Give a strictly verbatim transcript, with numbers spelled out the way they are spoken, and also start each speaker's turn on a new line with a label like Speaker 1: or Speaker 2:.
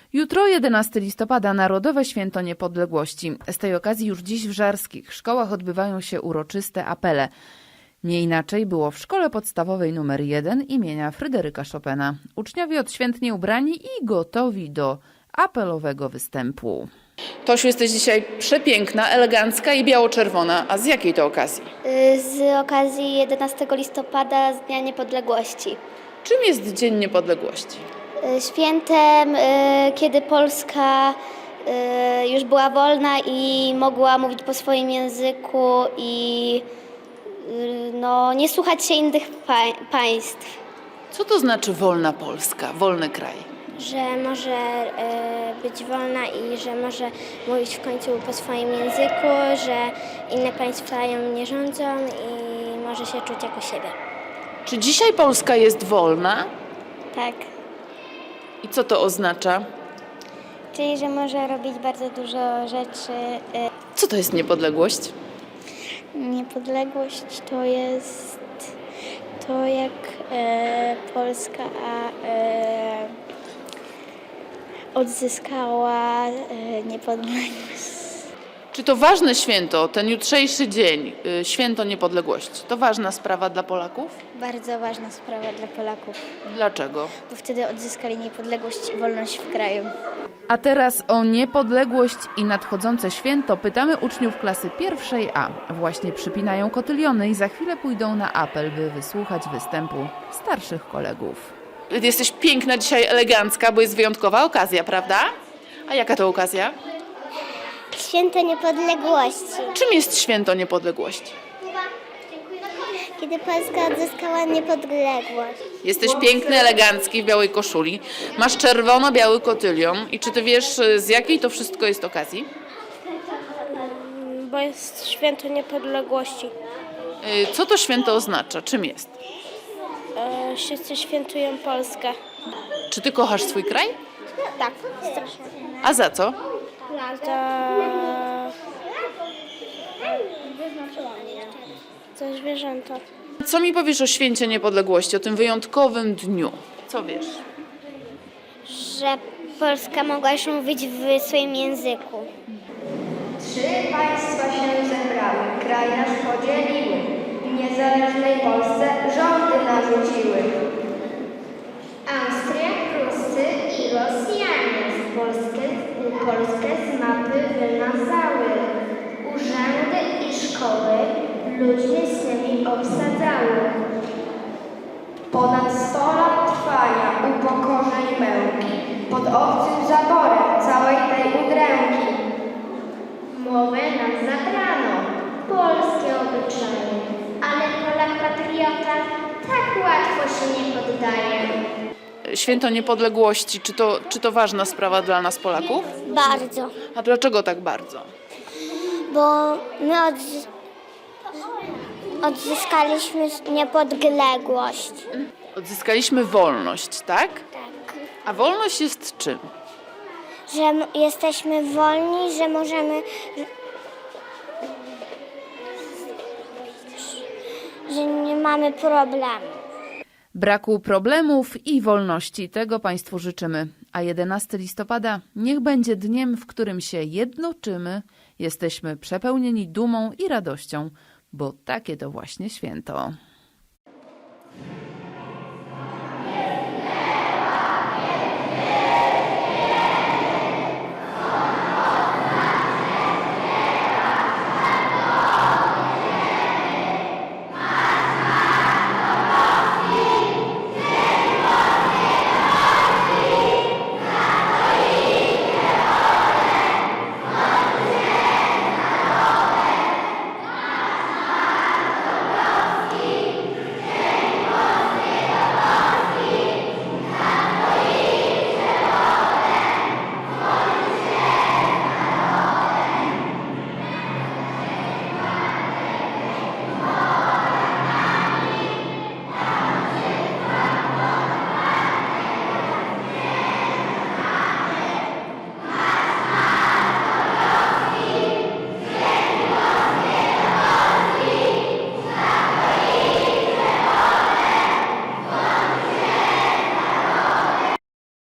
Speaker 1: Jutro, jedenastego listopada, Narodowe Święto Niepodległości. Z tej okazji już dziś w żarskich szkołach odbywają się uroczyste apele. Nie inaczej było w szkole podstawowej numer jeden imienia Fryderyka Chopina. Uczniowie odświętnie ubrani i gotowi do apelowego występu. Tosiu, jesteś dzisiaj przepiękna, elegancka i biało-czerwona. A z jakiej to okazji?
Speaker 2: Z okazji jedenastego listopada, z Dnia Niepodległości.
Speaker 1: Czym jest Dzień Niepodległości?
Speaker 2: Świętem, kiedy Polska już była wolna i mogła mówić po swoim języku i no, nie słuchać się innych państw.
Speaker 1: Co to znaczy wolna Polska, wolny kraj?
Speaker 2: Że może być wolna i że może mówić w końcu po swoim języku, że inne państwa ją nie rządzą i może się czuć jako siebie.
Speaker 1: Czy dzisiaj Polska jest wolna?
Speaker 2: Tak.
Speaker 1: I co to oznacza?
Speaker 2: Czyli, że może robić bardzo dużo rzeczy.
Speaker 1: Co to jest niepodległość?
Speaker 2: Niepodległość to jest to, jak e, Polska e, odzyskała e, niepodległość.
Speaker 1: Czy to ważne święto, ten jutrzejszy dzień, y, święto niepodległości, to ważna sprawa dla Polaków?
Speaker 2: Bardzo ważna sprawa dla Polaków,
Speaker 1: Dlaczego?
Speaker 2: bo wtedy odzyskali niepodległość i wolność w kraju.
Speaker 1: A teraz o niepodległość i nadchodzące święto pytamy uczniów klasy pierwszej A. Właśnie przypinają kotyliony i za chwilę pójdą na apel, by wysłuchać występu starszych kolegów. Jesteś piękna dzisiaj, elegancka, bo jest wyjątkowa okazja, prawda? A jaka to okazja?
Speaker 2: Święto niepodległości.
Speaker 1: Czym jest święto niepodległości?
Speaker 2: Kiedy Polska odzyskała niepodległość.
Speaker 1: Jesteś piękny, elegancki w białej koszuli. Masz czerwono-biały kotylion. I czy ty wiesz, z jakiej to wszystko jest okazji?
Speaker 2: Bo jest święto niepodległości.
Speaker 1: Y, Co to święto oznacza? Czym jest?
Speaker 2: E, wszyscy świętują Polskę.
Speaker 1: Czy ty kochasz swój kraj?
Speaker 2: Tak, strasznie.
Speaker 1: A za co?
Speaker 2: Za... Za zwierzęta.
Speaker 1: Co mi powiesz o święcie niepodległości, o tym wyjątkowym dniu? Co wiesz?
Speaker 2: Że Polska mogła już mówić w swoim języku.
Speaker 3: Trzy państwa się zebrały, kraj nasz podzieliły, w niezależnej Polsce rządy narzuciły.
Speaker 2: Austria, Prusy i Rosjanie z Polskę, Polskę z mapy wymazały. Urzędy i szkoły ludźmi swymi obsadzały.
Speaker 3: Ponad sto lat trwania upokorzeń męki, pod obcym zaborem całej tej udręki.
Speaker 2: Mowę nam zabrano, polskie obyczaje, ale Polak patriota tak łatwo się nie poddaje.
Speaker 1: Święto niepodległości, czy to, czy to ważna sprawa dla nas Polaków?
Speaker 2: Bardzo,
Speaker 1: A dlaczego tak bardzo?
Speaker 2: bo my odzy- odzyskaliśmy niepodległość.
Speaker 1: Odzyskaliśmy wolność, tak?
Speaker 2: Tak.
Speaker 1: A wolność jest czym?
Speaker 2: Że m- jesteśmy wolni, że możemy, że nie mamy problemu.
Speaker 1: Braku problemów i wolności. Tego Państwu życzymy. A jedenastego listopada niech będzie dniem, w którym się jednoczymy, jesteśmy przepełnieni dumą i radością, bo takie to właśnie święto.